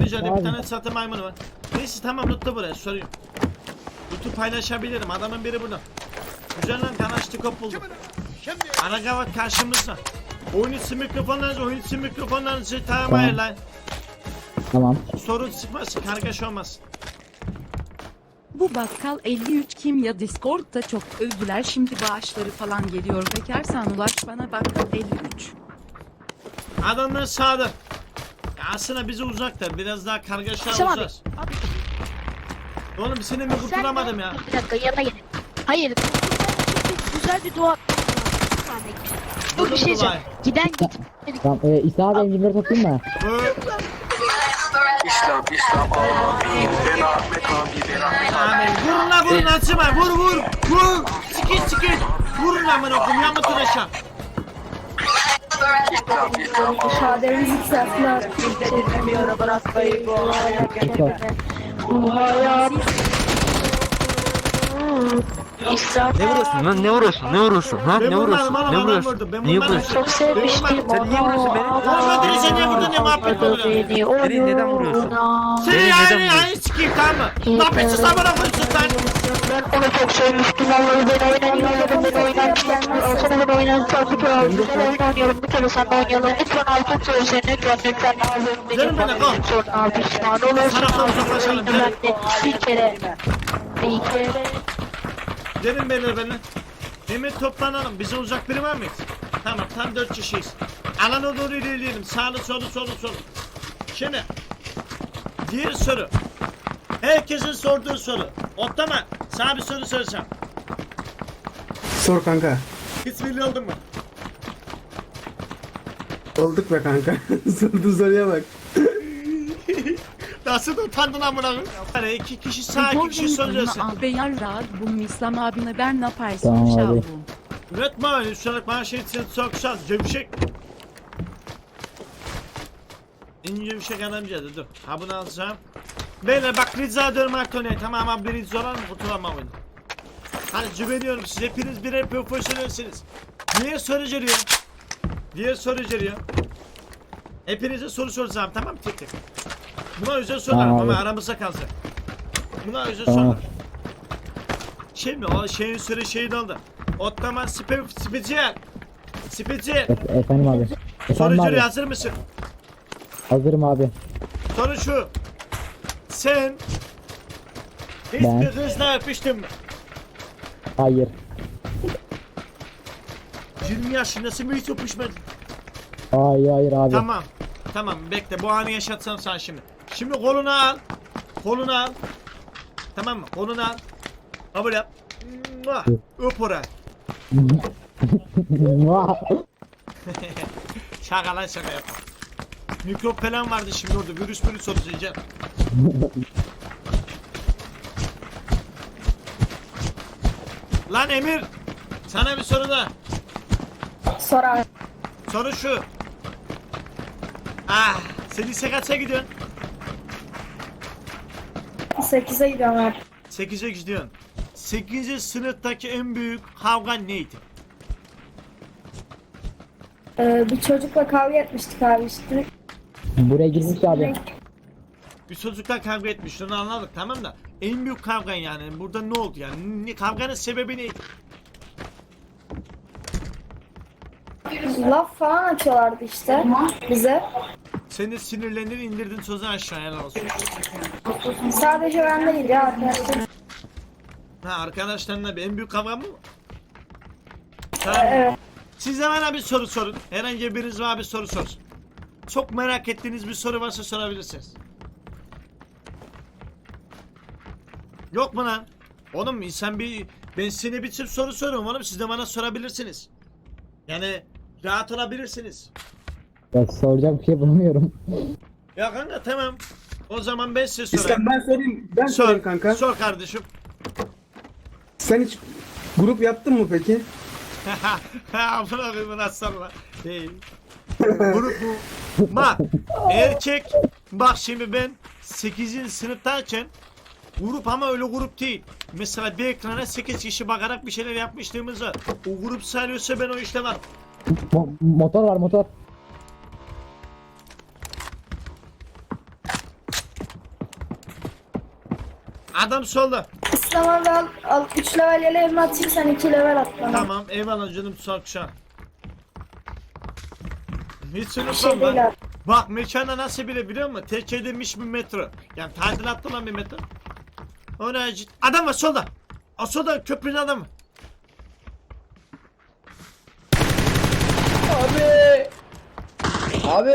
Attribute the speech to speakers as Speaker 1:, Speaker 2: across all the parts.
Speaker 1: rica ederim. Bir
Speaker 2: Abi.
Speaker 1: tane satı maymunu var. Neyse tamam lootla buraya soruyorum. Loot'u paylaşabilirim. Adamın biri burada. Güzel lan kanaştıkop buldum. Ana gavat karşımızda. Oyun içi mikrofonlarınızı tamam
Speaker 2: Tamam.
Speaker 1: ayarlayın.
Speaker 2: Tamam.
Speaker 1: Sorun çıkmasın, kargaş olmasın.
Speaker 3: Bu bakkal 53 kim ya Discord'da çok övdüler şimdi bağışları falan geliyor bekarsan ulaş bana bakkal 53.
Speaker 1: Adamlar sağda. Ya aslında bize uzaklar. Biraz daha kargaşa
Speaker 4: Akşam abi.
Speaker 1: uzar. Oğlum seni mi kurtulamadım ya?
Speaker 4: Bir dakika yanına gelin. Hayır. Güzel bir dua. Dur bir şey diyeceğim. Giden git.
Speaker 2: Tamam. İsa abi enginleri toplayayım mı?
Speaker 5: İslam Allah din Ahmet abi din Ahmet abi.
Speaker 1: Vurun lan vurun açma vur. Sıkın. Vurun lan bana okum ya mutun aşağı.
Speaker 5: İslam Allah.
Speaker 6: Şaderimiz yükselttiler.
Speaker 2: Çok.
Speaker 4: Bu hayat. İslam.
Speaker 7: Ne vuruyorsun lan? Ne vuruyorsun? Ha?
Speaker 1: Ben
Speaker 7: Ne vuruyorsun?
Speaker 1: vurmadım oğlum,
Speaker 7: Ne
Speaker 1: adam
Speaker 7: vuruyorsun?
Speaker 1: vurdu. Ben
Speaker 7: Niye
Speaker 1: vurmadım.
Speaker 7: vuruyorsun?
Speaker 4: Çok sevmiştim
Speaker 7: Sen niye vuruyorsun beni?
Speaker 1: Oğlum ödülü sen niye vurdun ne muhabbet oluyor?
Speaker 7: Beni neden vuruyorsun?
Speaker 1: Seni
Speaker 7: Beni
Speaker 1: yani
Speaker 7: neden vuruyorsun?
Speaker 1: yani sikeyim tamam mı? Ne yapıyorsun sen bana koyuyorsun lan?
Speaker 4: Ben onu çok sevmiştim. Vallahi ben oynamıştım. Sana ben oynamıştım. Ben oynuyorum. Bir kere sen oynayalım. Lütfen altın söylesen. Lütfen.
Speaker 1: Canım benim, kal.
Speaker 4: Sonra pişman olursun.
Speaker 1: Sana konuşalım,
Speaker 4: Ben de bir kere.
Speaker 1: Gelin beyler. Emir toplanalım. Bize uzak biri var mı? Tamam tam 4 kişiyiz. Alana doğru ilerleyelim. Sağlı solu. Şimdi diğer soru. Herkesin sorduğu soru. Otlama. Sana bir soru soracağım.
Speaker 8: Sor kanka.
Speaker 1: Hiç milli oldun mu?
Speaker 8: Olduk be kanka. Sorduğun soruya bak.
Speaker 1: Nasıl utandın amına koyayım? Yani 2 kişi sağ 2 kişi sol diyorsun.
Speaker 3: Abi yar rahat bu İslam abine ben ne yaparsın
Speaker 2: Tamam abi.
Speaker 3: şavrum.
Speaker 1: Üretme öyle üstelik bana şey için çok şans. Cevşek. İnce bir şey adamcağız dur. Ha bunu alacağım. Beyler bak rica ediyorum Artonya tamam abi rica olan mı kurtulamam oyunu. Hani güveniyorum siz hepiniz birer profesyonelsiniz. Niye soru geliyor? Hepinize soru soracağım tamam mı tek. Buna özel sorular
Speaker 2: Tamam
Speaker 1: ama
Speaker 2: abi.
Speaker 1: aramızda kalsın. Buna özel
Speaker 2: Tamam.
Speaker 1: sorular. Şimdi o şeyin süre şeyi oldu. Ottoman spicer.
Speaker 2: Efendim abi. Efendim
Speaker 1: Soru
Speaker 2: abi.
Speaker 1: geliyor hazır mısın?
Speaker 2: Hazırım abi.
Speaker 1: Soru şu. Sen hiç
Speaker 2: Ben?
Speaker 1: bir kızla öpüştün mü?
Speaker 2: Hayır.
Speaker 1: 20 yaşındasın mı hiç öpüşmedin?
Speaker 2: Hayır abi.
Speaker 1: Tamam bekle bu anı yaşatsam sana şimdi. Şimdi kolunu al. Tamam mı? Kolunu al. Kabul yap. Mua. Öp oraya. Şaka lan şaka yapma. Mikrop falan vardı şimdi orada. Virüs soracağım. Lan Emir. Sana bir soru da.
Speaker 6: Sor abi.
Speaker 1: Soru şu. Sen lise kaça gidiyorsun?
Speaker 6: 8'e gidiyorum abi.
Speaker 1: 8'e gidiyorsun. 8. sınıftaki en büyük kavgan neydi?
Speaker 6: Bir çocukla kavga etmiştik abi işte.
Speaker 2: Buraya girmiş abi.
Speaker 1: Bir çocukla kavga etmiş onu anladık tamam da en büyük kavgan yani burada ne oldu yani kavganın sebebi neydi?
Speaker 6: Laf falan atıyorlardı işte bize.
Speaker 1: Sen de sinirlendin indirdin sözü aşağıya helal olsun.
Speaker 6: Sadece ben değil ya arkadaşlar.
Speaker 1: Ha arkadaşlarınla bir en büyük kavga mı? Tamam.
Speaker 6: Evet.
Speaker 1: Siz de bana bir soru sorun. Herhangi biriniz bana bir soru sorsun. Çok merak ettiğiniz bir soru varsa sorabilirsiniz. Yok mu lan? Oğlum insan ben size bir tür soru soruyorum oğlum siz de bana sorabilirsiniz. Yani rahat olabilirsiniz.
Speaker 2: Ya soracak bir şey bulamıyorum.
Speaker 1: Ya kanka tamam. O zaman ben size sorayım.
Speaker 8: İslam ben sorayım. Ben sorayım kanka.
Speaker 1: Sor kardeşim.
Speaker 8: Sen hiç grup yaptın mı peki?
Speaker 1: Amına koyayım nasıl sorma. Değil. Grup bu. Bak erkek bak şimdi ben 8. sınıftayken grup ama öyle grup değil. Mesela bir ekrana 8 kişi bakarak bir şeyler yapmışlığımız var. O grup sayılıyorsa ben o işte var.
Speaker 2: Motor var motor.
Speaker 1: Adam solda.
Speaker 6: İslam abi al 3 level yeleğimi atayım sen 2 level at bana.
Speaker 1: Tamam eyvallah canım Sakşa. Hiç
Speaker 6: şey
Speaker 1: unutmam
Speaker 6: değil
Speaker 1: lan.
Speaker 6: abi.
Speaker 1: Bak mekana nasıl bile biliyor musun? Tek edilmiş bir metro. Yani tadilatlı lan bir metro. Ona adam var solda. O solda köprünün adamı.
Speaker 9: Abi.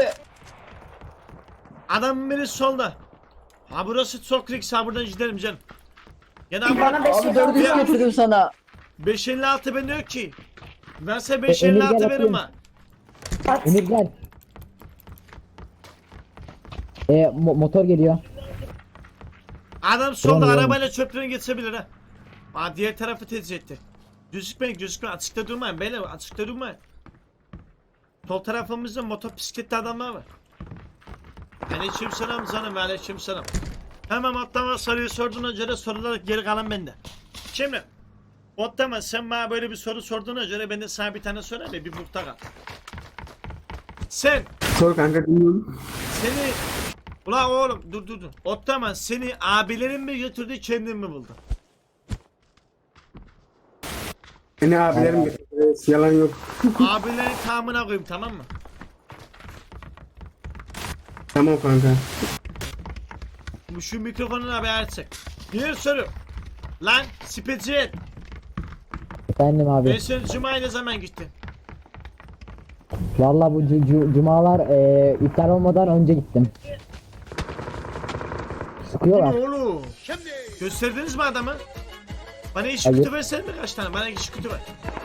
Speaker 1: Adamın biri solda. Ha burası çok risk, ha buradan gidelim canım. Gene
Speaker 6: Bana 5
Speaker 9: Abi 400
Speaker 1: Ya.
Speaker 9: getirdim sana.
Speaker 1: 556 ben yok ki. Ben size
Speaker 2: Emir
Speaker 1: 556
Speaker 2: gel
Speaker 1: verim
Speaker 2: atayım.
Speaker 1: ha.
Speaker 6: at.
Speaker 2: Emir gel. Motor geliyor.
Speaker 1: Adam solda
Speaker 2: Tamam,
Speaker 1: arabayla çöplerini geçebilir ha. Aa diğer tarafı tercih etti. Gözükmeyin açıkta durmayın beyler, açıkta durmayın. Sol tarafımızda motosikletli adamlar var. Aleykümselam canım, aleykümselam. Hemen atlama soruyu sorduğuna göre sorular geri kalan bende. Şimdi Otlama sen bana böyle bir soru sorduğuna göre ben de sana bir tane sorayım ve bir bukta kal. Sen
Speaker 8: Sor kanka dinliyorum.
Speaker 1: seni Ulan oğlum dur. Otlama seni abilerin mi götürdü kendin mi buldun?
Speaker 8: Beni abilerim getirdi. Yalan yok.
Speaker 1: Abilerin tamına koyayım, tamam mı?
Speaker 8: Tamam kanka.
Speaker 1: Şu mikrofonunu abi açsak. Diğer soru. Lan spesiyel.
Speaker 2: Efendim
Speaker 1: Ben
Speaker 2: abi.
Speaker 1: sen Cuma'ya ne zaman gittin?
Speaker 2: Valla bu cumalar iftar olmadan önce gittim. Sıkıyorlar.
Speaker 1: Oğlum. Gösterdiniz mi adamı? Bana iş
Speaker 2: Hayır.
Speaker 1: kutu versene mi kaç tane? Bana iş kutu ver.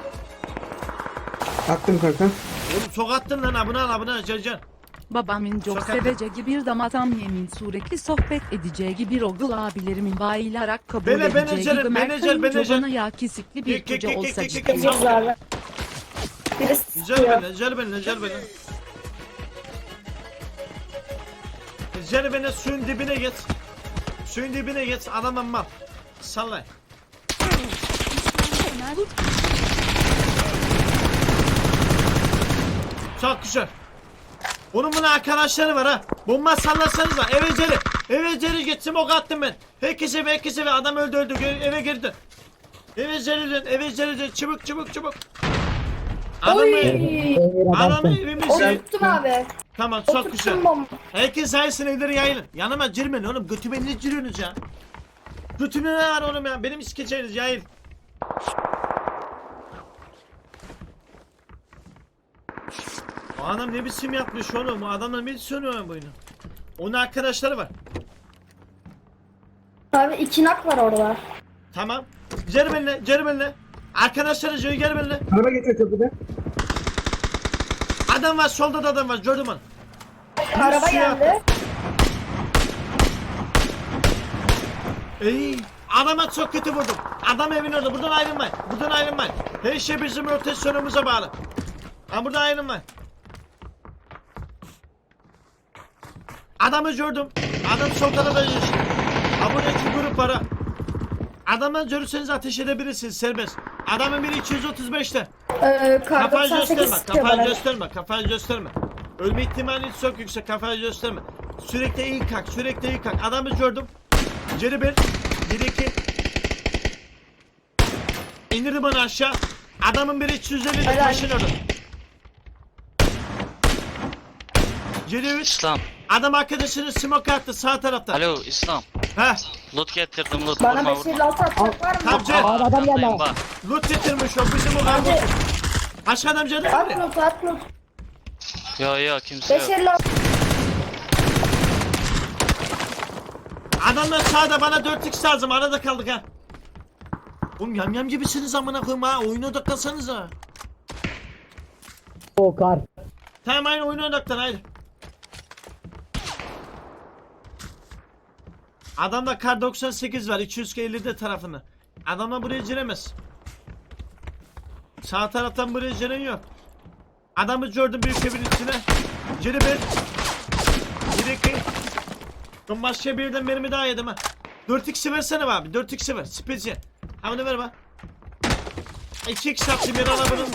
Speaker 8: Attım kanka.
Speaker 1: Oğlum çok attın lan, abone al can.
Speaker 3: Babamın çok
Speaker 1: Sokak-
Speaker 3: seveceği bir damatam yemin sürekli sohbet edeceği bir oğul abilerimin bayılarak kabul
Speaker 1: Bene,
Speaker 3: edeceği
Speaker 1: menajer,
Speaker 3: gibi
Speaker 1: menajer.
Speaker 3: Mert bana ya kesikli bir
Speaker 1: Kek, kek,
Speaker 3: koca
Speaker 1: kek,
Speaker 3: olsa
Speaker 1: kek, kek,
Speaker 3: cidden.
Speaker 1: kek.
Speaker 6: Gideceğiz abi. Birisi
Speaker 1: Güzel
Speaker 6: sıkıyor.
Speaker 1: beni. Güzel beni, suyun dibine geç. Adam amma. Sallay. Çok güzel. Bunun arkadaşları var ha. Bomba sallarsanız da eve geri geçtim, ok attım ben. Herkese ve adam öldü eve girdi. Eve geri dön çabuk. Adamı
Speaker 2: Emir adamsın.
Speaker 1: evimize.
Speaker 6: Oturttum abi.
Speaker 1: Tamam çok güzel.
Speaker 6: Oturttum bomba.
Speaker 1: Herkes sayesinde evleri yayılın. Yanıma girmeyin oğlum. Götüme ne giriyorsunuz ya? Götüme ne var oğlum ya? Benim iskeçeniz yayıl. O adam ne biçim yapmış oğlum? O adamlar ne biçim oynuyor bu oyunu? Onun arkadaşları var.
Speaker 6: Abi 2 nak var orada.
Speaker 1: Tamam. Geri benimle. Arkadaşları geri benimle.
Speaker 8: Araba getir köprüde.
Speaker 1: Adam var, solda da adam var. Gördüm onu.
Speaker 6: Araba
Speaker 1: suya
Speaker 6: geldi.
Speaker 1: Ey, adama çok kötü vurdum. Adam evin orada. Buradan ayrılmayın. Her şey bizim rotasyonumuza bağlı. Ha burada ayrılmayın. Adamı gördüm. Adam sol tarafa geçti. Ha burada 2 grup var ha. Adamdan görürseniz ateş edebilirsiniz serbest. Adamın biri 235'te.
Speaker 6: Kar
Speaker 1: Kafayı
Speaker 6: 98 sıkıyor bana.
Speaker 1: kafayı gösterme. Ölme ihtimali çok yüksek, kafayı gösterme. Sürekli iyi kalk. Adamı gördüm. Geri bir, geri 2. İndirdim onu aşağı. Adamın biri 250
Speaker 6: Helal.
Speaker 1: taşın orada. Geri 3.
Speaker 7: İslam.
Speaker 1: Adam arkadaşını smoke attı sağ tarafta.
Speaker 7: Alo İslam.
Speaker 1: Heh,
Speaker 7: Loot getirdim loot.
Speaker 6: Bana
Speaker 7: Vurma
Speaker 6: 556 atacak var mı?
Speaker 1: Tamam Cem.
Speaker 2: Abi adam geldi.
Speaker 7: Arkandayım bak.
Speaker 1: Loot getirmiş o bizim o kardeşim. Başka adam canı
Speaker 6: At
Speaker 1: mı?
Speaker 6: not at not.
Speaker 7: Yo kimse yok.
Speaker 6: 556.
Speaker 1: Adamlar sağda, bana 4x lazım, arada kaldık ha. Oğlum yamyam gibisiniz amına koyayım ha, oyuna odaklansanız ha.
Speaker 2: O kar.
Speaker 1: Tamam aynı oyuna odaklan haydi. Adamda kar 98 var 250'de tarafında. Adamlar buraya giremez. Sağ taraftan buraya giren yok. Adamı gördüm büyük evin içine. Geri bir. Geri 2. Ben başka bir yerden mermi daha yedim ha. 4x'i versene abi, 4x'i ver. Spezi. Ha bunu ver bak. 2x yaptım yer alamadın.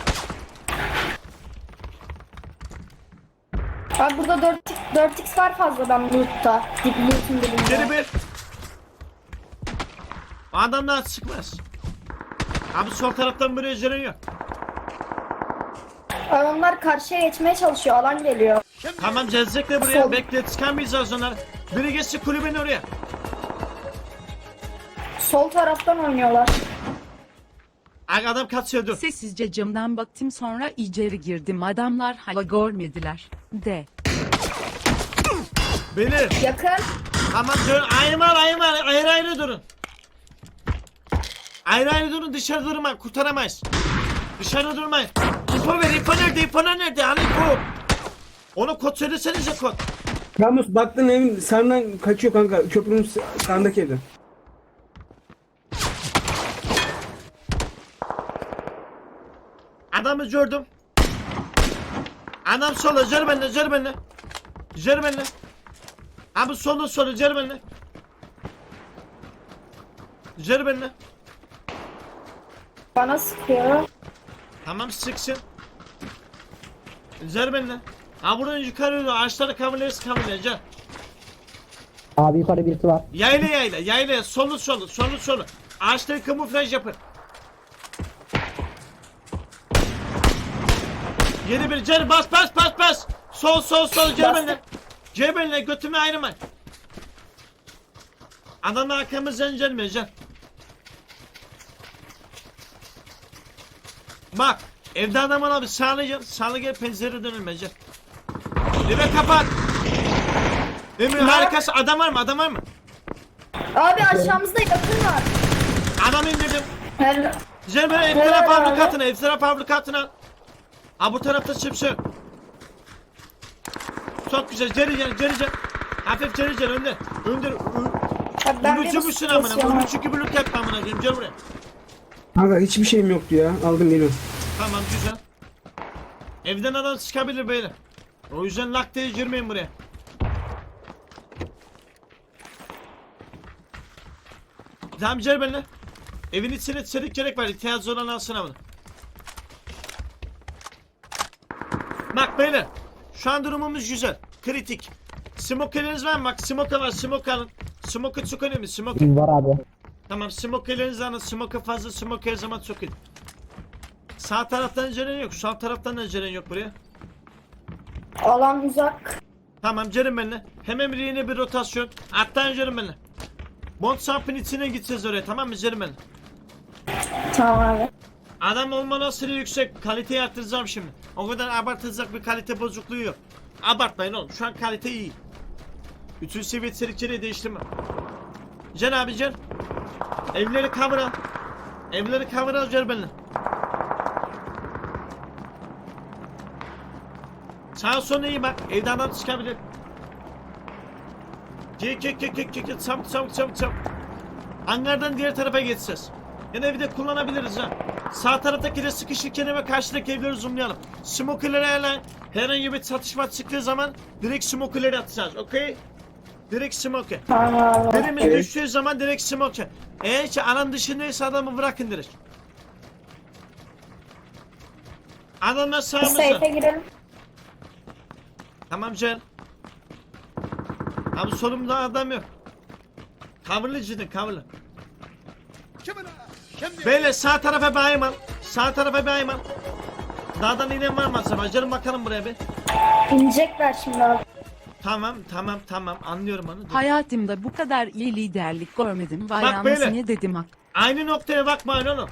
Speaker 6: Abi burada 4x var fazladan loot'ta. Loot'un dibinde.
Speaker 1: Geri bir. O adamdan sıkmaz. Abi sol taraftan buraya Ceren yok.
Speaker 6: Adamlar karşıya geçmeye çalışıyor. Alan geliyor.
Speaker 1: Tamam gelecekler buraya.
Speaker 6: Sol.
Speaker 1: Bekle çıkamayacağız onları. Biri geçsin kulübenin oraya.
Speaker 6: Sol taraftan oynuyorlar.
Speaker 1: Ay, adam kaçıyordu.
Speaker 3: Sessizce camdan baktım sonra içeri girdim. Adamlar hala görmediler. De.
Speaker 1: Beni.
Speaker 6: Yakın.
Speaker 1: Tamam dur. Ayrı ayrı durun. Ayrı ayrı durun, dışarı durma, kurtaramayız. Dışarı durmayın. İpo ver, İpo nerede? İpo nerede? Hani İpo? Onu kod söylesenize kod.
Speaker 8: Ramus baktın evin sağından kaçıyor kanka. Köprünün sağındaki evde.
Speaker 1: Adamı gördüm. Adam sola, gel benimle, gel benimle. Gel benimle. Abi sola, gel benimle. Gel benimle.
Speaker 6: Bana sıkıyor.
Speaker 1: Tamam sıksın. Gel benimle. Ha buradan yukarı yürü, ağaçları kavurlayız, gel.
Speaker 2: Abi yukarı birisi var.
Speaker 1: Yayla, solu. Ağaçları kamuflaj yapın. Yeni bir gel, bas. Sol, gel benimle, götümü ayırmayın. Adamın arkamızdan gelmiyor, gel. Bak, evde adam var abi, sağlı gel, pencere dönülme, gel. Eve kapat. Emir harikası, adam var mı?
Speaker 6: Abi aşağımızda yakın var.
Speaker 1: Adam indirdim.
Speaker 6: Her...
Speaker 1: Gel böyle ev taraf fabrikatına. Ha bu tarafta çıpsı. Çok güzel, geri. Hafif geri önde.
Speaker 6: Abi ben
Speaker 1: Ulucu musun amına? Ulucu gibi look yapma amına koyayım, gel buraya.
Speaker 8: Kanka hiçbir şeyim yoktu ya. Aldım geliyorum.
Speaker 1: Tamam güzel. Evden adam çıkabilir böyle. O yüzden lak diye girmeyin buraya. Tamam gel benimle. Evin içine çelik gerek var. İhtiyacı olan alsın bunu. Bak beyler. Şu an durumumuz güzel. Kritik. Smoke'leriniz var mı? Bak smoke var. Smoke alın. Smoke çok önemli. Smoke.
Speaker 2: Var abi.
Speaker 1: Tamam smoke'lerinizi alın. Smoke fazla. Smoke her zaman çok iyi. Sağ taraftan ceren yok. Sol taraftan da ceren yok buraya.
Speaker 6: Alan uzak.
Speaker 1: Tamam gelin benimle. Hemen yeni bir rotasyon. Attan gelin benimle. Bond sampın içine gideceğiz oraya, tamam mı? Gelin benimle.
Speaker 6: Tamam abi.
Speaker 1: Adam olma olasılığı yüksek. Kaliteyi arttıracağım şimdi. O kadar abartılacak bir kalite bozukluğu yok. Abartmayın oğlum. Şu an kalite iyi. Bütün seviye içerikleri değiştirme. Gel abi gel. Evleri cover al. Gel benimle. Sağa sola iyi bak. Evde adam çıkabilir. Gel. Çabuk. Hangardan diğer tarafa geçeceğiz. Yani evi de kullanabiliriz ha. Sağ taraftaki de sıkışırken ve karşıdaki evleri zoomlayalım. Smoker'ları ayarlayın. Herhangi bir çatışma çıktığı zaman direkt smoker'ları atacağız. Okey? Direkt smoker.
Speaker 6: Tamam abi.
Speaker 1: Birimiz düştüğü zaman direkt smoker. Eğer ki alan dışındaysa adamı bırakın direkt. Adamlar sağımızda.
Speaker 6: Safe'e girelim.
Speaker 1: Tamam Cel. Abi solumda adam yok. Coverlı cidden coverlı. Böyle sağ tarafa bayım al. Dağdan inen var mı acaba? Gelin bakalım buraya bir.
Speaker 6: İnecekler şimdi abi.
Speaker 1: Tamam anlıyorum onu. Dur.
Speaker 3: Hayatımda bu kadar iyi liderlik görmedim. Vay
Speaker 1: Bak böyle.
Speaker 3: anasını dedim hak.
Speaker 1: Aynı noktaya bakmayın oğlum.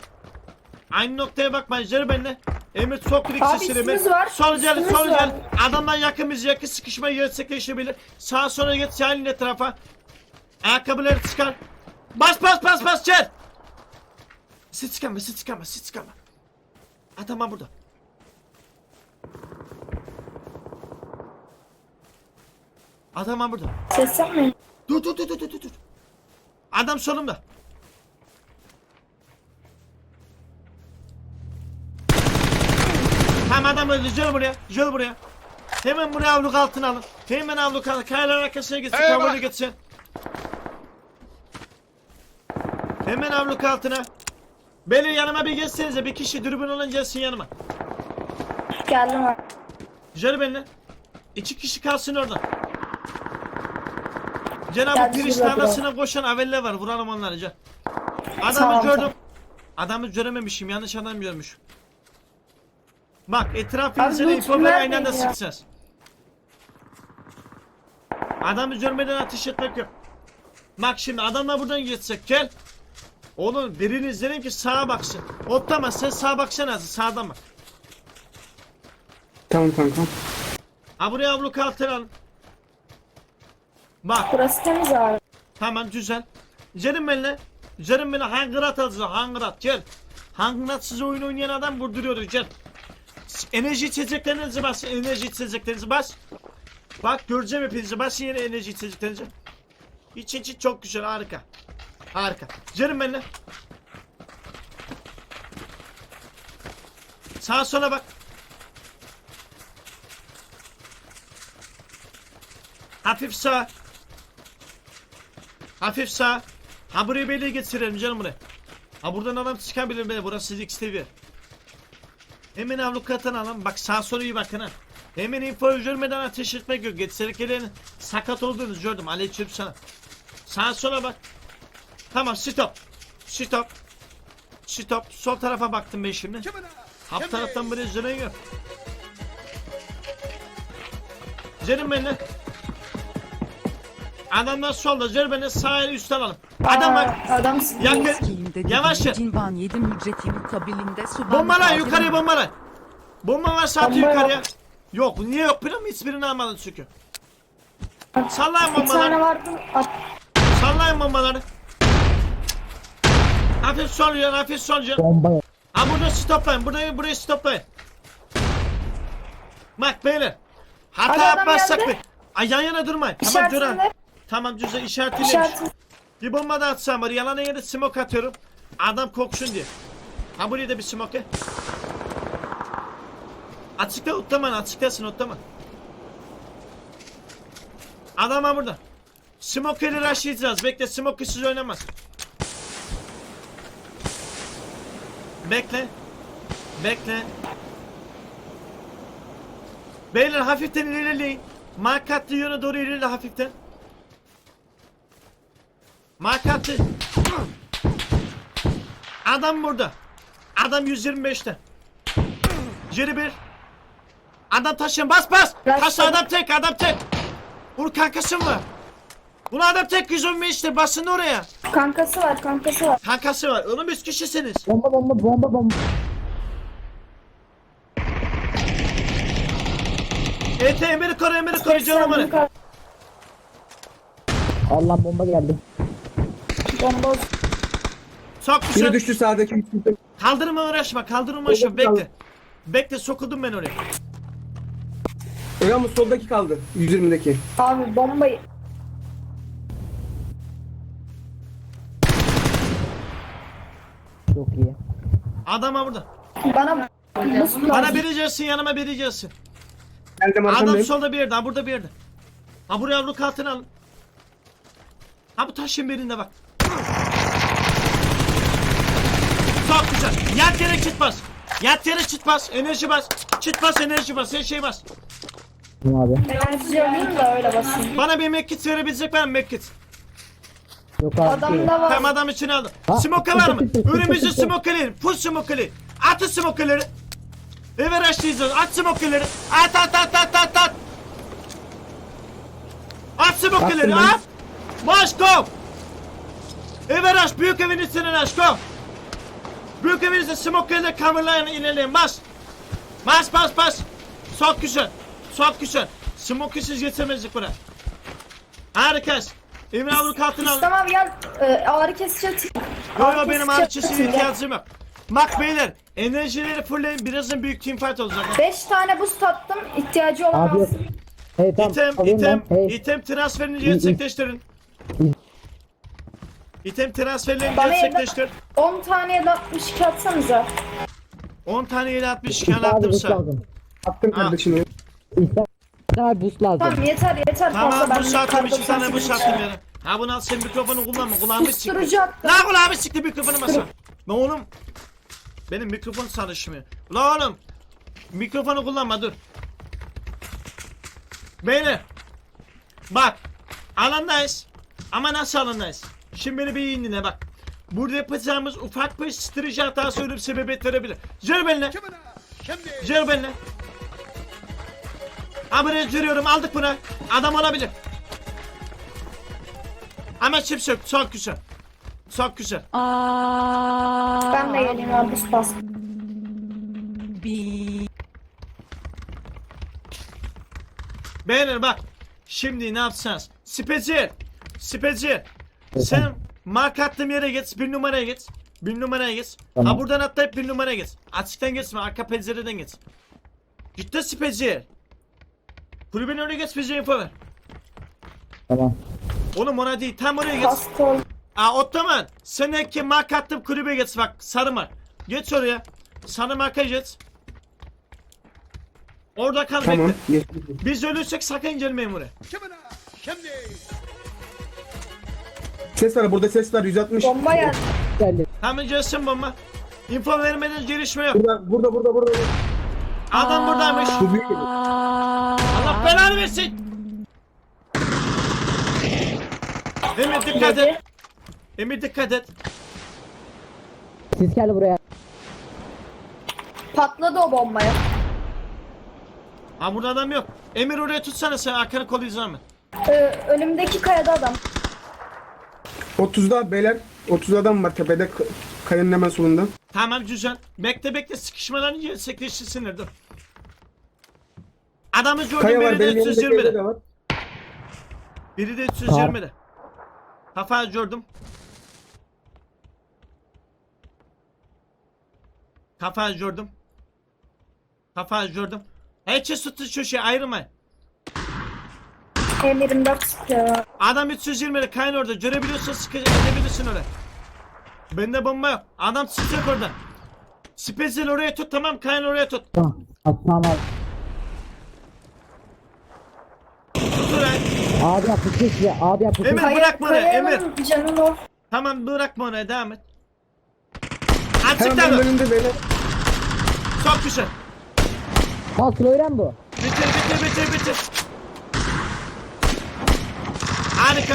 Speaker 1: Gel benimle. Emir çok klik
Speaker 6: Abi
Speaker 1: sesini
Speaker 6: üstümüz var.
Speaker 1: Sol gel.
Speaker 6: Üstümüz var.
Speaker 1: Adamdan yakın sıkışma gerçekleşebilir. Sağa sola geç yayın etrafa. Ayakkabıları çıkar. Bas gel. Siz çıkama. Adam burada.
Speaker 6: Ses yapmayın.
Speaker 1: Dur. Adam solumda. Tamam adam öldü. Gel buraya. Hemen buraya avluk altına alın. Kayaların arkasına gitsin. Kavurlu gitsin. Hemen avluk altına. Beni yanıma bir geçsenize. Bir kişi dürbün olan gelsin yanıma.
Speaker 6: Geldim abi.
Speaker 1: Gel benimle. 2 kişi kalsın orada. Cenab-ı
Speaker 6: Geldi
Speaker 1: Kriş
Speaker 6: şurada
Speaker 1: tarlasına koşan aveller var. Vuralım onları gel. Adamı
Speaker 6: Tamam,
Speaker 1: gördüm.
Speaker 6: tamam.
Speaker 1: Adamı görememişim. Yanlış adam görmüşüm. Bak etrafı
Speaker 6: Abi,
Speaker 1: izleyin.
Speaker 6: lütfen
Speaker 1: İnfoları aynı anda
Speaker 6: vermeyin ya.
Speaker 1: sıkacağız. Adamı görmeden ateş etmek yok. Bak şimdi adamla buradan geçsek gel. Oğlum birini izleyelim ki sağa baksın. Otlama sen sağa baksana azı sağdan bak.
Speaker 8: Tamam kanka.
Speaker 1: Ha buraya abluk altına alın. Bak
Speaker 6: Burası temiz abi.
Speaker 1: tamam güzel. Canım benimle. Canım benimle hangırat alacağız hangırat gel. Hangırat size oyun oynayan adam vurduruyoruz gel. Enerji içeceklerinizi bas. Enerji içeceklerinizi bas. Bak göreceğim hepinizi bas yine enerji içeceklerinizi. İçin çok güzel harika. Harika. Canım benimle. Sağa sola bak. Hafif sağ. Hafif sağ. Ha burayı belli geçirelim canım buraya. Ha buradan adam çıkabilir be. Burası XTV. Hemen avlukatan alın. Bak sağ sola iyi bakın ha. Hemen info görmeden ateş etmek yok. Geçserek gelen sakat olduğunuzu gördüm. Aleyküm sana. Sağa sola bak. Tamam stop. Stop. Stop. Sol tarafa baktım ben şimdi. Hap taraftan buraya zırhın yok. Canım benimle. Adamlar solda zır beni sağ el üstten alın. Adam bak.
Speaker 6: Adam
Speaker 1: Yakın.
Speaker 3: Eskiyinde
Speaker 1: Yavaş yer.
Speaker 3: cinvan yedim ücreti mukabilinde suban.
Speaker 1: Bombala yukarıya bombala. Bomba varsa atı
Speaker 6: Bomba
Speaker 1: yukarıya.
Speaker 6: yok.
Speaker 1: Yok niye yok biliyor musun? Hiçbirini almadın çünkü. Sallayın
Speaker 6: bir tane
Speaker 1: bombaları.
Speaker 6: vardı.
Speaker 1: Sallayın bombaları. Hafif sol yan hafif sol yan.
Speaker 2: Bomba yok.
Speaker 1: Ha burada stoplayın. Burayı stoplayın. Bak beyler. Hata
Speaker 6: Hadi adam
Speaker 1: yapmazsak
Speaker 6: geldi.
Speaker 1: mı? Ay yan yana durmayın. Tamam duran.
Speaker 6: İşaretinde.
Speaker 1: Tamam güzel işaretlemiş.
Speaker 6: İşaretinde.
Speaker 1: Bir bomba da atsam var. Yalana yere smoke atıyorum. Adam koksun diye. Ha buraya da bir smoke. Açıkta otlama açıktasın otlama. Adam ha burada. Smoke'leri rushlayacağız. Bekle smoke'suz oynamaz. Bekle. Bekle. Beyler hafiften ilerleyin. Markatlı yöne doğru ilerle hafiften. Markatlı. Adam burada. Adam 125'te. Geri bir. Adam taşın bas bas. Taş adam tek adam tek. Vur kankası mı? Bunu adam tek 115'te basın oraya.
Speaker 6: Kankası var, kankası var.
Speaker 1: Kankası var. Oğlum 3 kişisiniz.
Speaker 2: Bomba bomba bomba bomba.
Speaker 1: ET emiri koru canım bana.
Speaker 2: Allah bomba geldi.
Speaker 6: Bomba.
Speaker 1: Çok
Speaker 8: Biri
Speaker 1: güzel.
Speaker 8: düştü sağdaki.
Speaker 1: Kaldırma uğraşma kaldırma uğraşma bekle. Bekle sokudum ben oraya.
Speaker 8: Ama soldaki kaldı. 120'deki.
Speaker 6: Abi bombayı.
Speaker 2: Çok iyi.
Speaker 1: Adama burada.
Speaker 6: Bana
Speaker 1: Bana biri gelsin yanıma biri gelsin.
Speaker 8: Geldim
Speaker 1: Adam
Speaker 8: arkamdayım.
Speaker 1: solda bir yerde ha burada bir yerde. Ha buraya avluk altına alın. Ha bu taşın birinde bak. Çok güzel. Yat yere çit bas. Yat yere çit bas. Enerji bas. Çit bas enerji bas. Her şey bas.
Speaker 2: Kim abi?
Speaker 6: enerji alayım da öyle basayım.
Speaker 1: Bana bir mekkit verebilecek var mı mekkit?
Speaker 2: Yok abi.
Speaker 6: Adamda var.
Speaker 1: Tamam adam için aldım.
Speaker 2: Ha,
Speaker 1: Smoke var mı?
Speaker 2: tık, tık, tık,
Speaker 1: Önümüzü
Speaker 2: tık, tık.
Speaker 1: smokeleyin. Full smokeleyin. Atın smokeleri. Eve açlayacağız. At smokeleri. At. At smokeleri
Speaker 8: Attım ben.
Speaker 1: at. Baş go. Eve aç. Büyük evin içine aç go. Büyük evin içine smokeleri coverlayın ilerleyin. Bas. Bas. Çok güzel. Çok güzel. Smokesiz geçemezdik buraya. Harikasın. Emre avluk altına alın.
Speaker 6: Tamam gel. Ağrı kesici atayım.
Speaker 1: Yo benim ağrıçısı ihtiyacım yok. Bak beyler enerjileri fullleyin birazdan büyük teamfight olacak.
Speaker 6: 5 tane boost attım. İhtiyacı olan
Speaker 2: Abi.
Speaker 6: alsın.
Speaker 2: Hey tamam. alayım ben. Hey.
Speaker 1: İtem transferini gerçekleştirin. İtem transferlerini
Speaker 6: Bana
Speaker 1: gerçekleştir.
Speaker 6: 10 tane de 62 atsanıza.
Speaker 1: 10 tane ile 62
Speaker 2: Abi
Speaker 1: attım
Speaker 2: boost
Speaker 1: sana.
Speaker 2: lazım.
Speaker 8: Attım kardeşim.
Speaker 2: İhsan. Abi boost lazım.
Speaker 6: Tamam yeter
Speaker 1: Tamam
Speaker 6: fazla.
Speaker 1: bu saatim 2 tane bu
Speaker 6: 98
Speaker 1: saatim yani. Ha bunu al sen mikrofonu kullanma kulağımı çıktı.
Speaker 6: Susturucu attım.
Speaker 1: La kulağımı çıktı mikrofonu masa. Ne oğlum? Benim mikrofon çalışmıyor. La oğlum. Mikrofonu kullanma dur. Beyler. Bak. Alandayız. Ama nasıl alandayız? Şimdi beni bir iyi dinle bak. Burada yapacağımız ufak bir strateji hatası ölüm sebebiyet verebilir. Gel benimle. Gel benimle. Buraya görüyorum, aldık bunu. Adam olabilir. Ama çift yok, çok güzel. Çok güzel.
Speaker 6: Ben de geleyim abi üst bas.
Speaker 1: Beyler bak. Şimdi ne yapacağız? Speci. Sen mark attığım yere geç. 1 numaraya geç. 1 numaraya geç.
Speaker 2: Tamam.
Speaker 1: Ha buradan atlayıp 1 numaraya geç. Açıktan geçme. Arka pencereden geç. Gitti speci. Kulübenin önüne geç, bize info ver.
Speaker 2: Tamam.
Speaker 1: Oğlum ona değil, tam oraya geç.
Speaker 6: Hasta ol.
Speaker 1: Ottoman. Seneki mark attım, kulübe geç bak. Sarı mark. Geç oraya. Sarı marka geç. Orada kal,
Speaker 8: Tamam.
Speaker 1: bekle.
Speaker 8: Geçtim.
Speaker 1: Biz ölürsek sakın gelmeyin buraya.
Speaker 8: Ses var burada, ses var 160.
Speaker 6: Bomba geldi.
Speaker 2: Geldi.
Speaker 1: Hemen gelsin bomba. Info vermeden gelişme yok.
Speaker 8: Burada.
Speaker 1: Adam buradaymış.
Speaker 8: Bu büyük.
Speaker 1: Allah belanı versin. Emir dikkat et. Emir dikkat et.
Speaker 2: Siz geldi buraya.
Speaker 6: Patladı o bombaya.
Speaker 1: Ha burada adam yok. Emir oraya tutsana, sen arkanı kollayacağım ben.
Speaker 6: Önümdeki kayada adam.
Speaker 8: 30'da beyler. 30 adam var tepede, kayanın hemen solunda.
Speaker 1: Tamam güzel. Bekle sıkışmadan gerçekleştirsinler, dur. Adamı gördüm,
Speaker 8: Kaya var,
Speaker 1: biri de
Speaker 8: benim yanımdaki evde
Speaker 1: 320'de.
Speaker 8: de var.
Speaker 1: Biri de 320'de. Kafayı gördüm. Kafayı gördüm. Herkes tuttu şu şey, ayrılmayın.
Speaker 6: Emirim 4 sıkıyor.
Speaker 1: Adam 320'de kayın orada. Görebiliyorsan sıkabilirsin oraya. Bende bomba yok. Adam sıkacak orada. Special oraya tut, tamam, kayın oraya tut.
Speaker 2: Tamam. Tamam abi.
Speaker 1: Tut oraya.
Speaker 2: Abi yaptı kes ya. Abi yaptı kes.
Speaker 1: Emir bırakma oraya, Emir.
Speaker 6: Kayanın canın o.
Speaker 1: Tamam bırakma oraya, devam et.
Speaker 8: Hemen
Speaker 1: Açık
Speaker 8: benim
Speaker 1: tabi.
Speaker 8: önümde beyler.
Speaker 1: Çok güzel.
Speaker 2: Al slow bu.
Speaker 1: Bitir. Harika.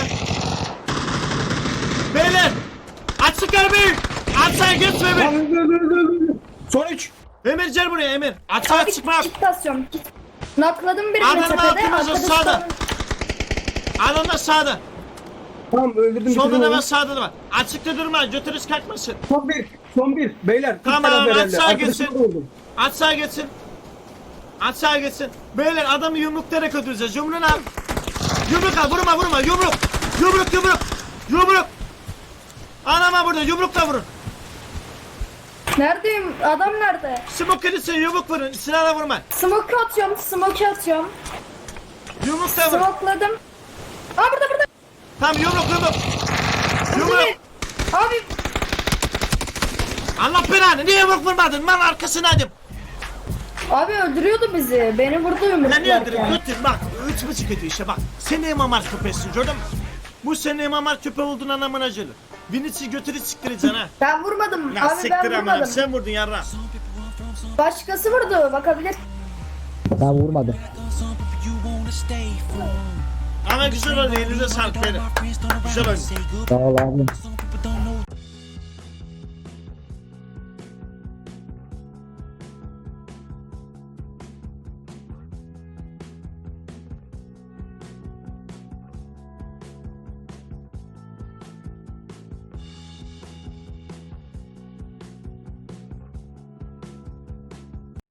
Speaker 1: Beyler. Açık arabayı. Açığa geçme Emir.
Speaker 8: Son 3.
Speaker 1: Emir gel buraya Emir. Açığa çıkma yok.
Speaker 6: Kit basıyorum. Kit. Nakladım birini
Speaker 1: Adamın
Speaker 6: tepede.
Speaker 1: altımızda,
Speaker 6: arkadaş
Speaker 1: sağda.
Speaker 6: sonra-
Speaker 1: Adam da sağda.
Speaker 8: Tamam öldürdüm.
Speaker 1: Solda
Speaker 8: bitirdim
Speaker 1: da
Speaker 8: onu.
Speaker 1: var, sağda da var. Açıkta durma, götürüz kalkmasın.
Speaker 8: Son bir. Beyler.
Speaker 1: Tamam,
Speaker 8: bir taraf herhalde.
Speaker 1: aşağı
Speaker 8: Arkadaşım
Speaker 1: gitsin.
Speaker 8: da vurdum.
Speaker 1: Açığa geçsin. Beyler adamı yumruklayarak öldüreceğiz. Yumruğunu al. Yumruk al, vurma. Yumruk. Anama burada, yumrukla vurun.
Speaker 6: Neredeyim? Adam nerede?
Speaker 1: Smoke edilsin, yumruk vurun. Silahla vurma.
Speaker 6: Smoke atıyorum.
Speaker 1: Yumrukla vurun.
Speaker 6: Smokeladım. Aa burada.
Speaker 1: Tamam, yumruk.
Speaker 6: Abi. Abi.
Speaker 1: Allah belanı, niye yumruk vurmadın? Mal arkasındaydım.
Speaker 6: Abi öldürüyordu bizi. Beni vurdu
Speaker 1: Ben niye öldürüm?
Speaker 6: yumruklarken.
Speaker 1: Götür bak. 3,5 ediyor işte bak. Sen de imamar köpeğisin, gördün mü? Bu senin imamar köpeği olduğun anlamına gelir. Vinicius götürü siktireceksin ha.
Speaker 6: Ben vurmadım.
Speaker 1: Ya
Speaker 6: Abi
Speaker 1: siktir
Speaker 6: ben
Speaker 1: amanım,
Speaker 6: vurmadım.
Speaker 1: sen vurdun yarra.
Speaker 6: Başkası vurdu. Bakabilir.
Speaker 2: Ben vurmadım.
Speaker 1: Ama güzel oldu, elinize sağlık beyler. Güzel oldu.
Speaker 2: Sağ ol abi.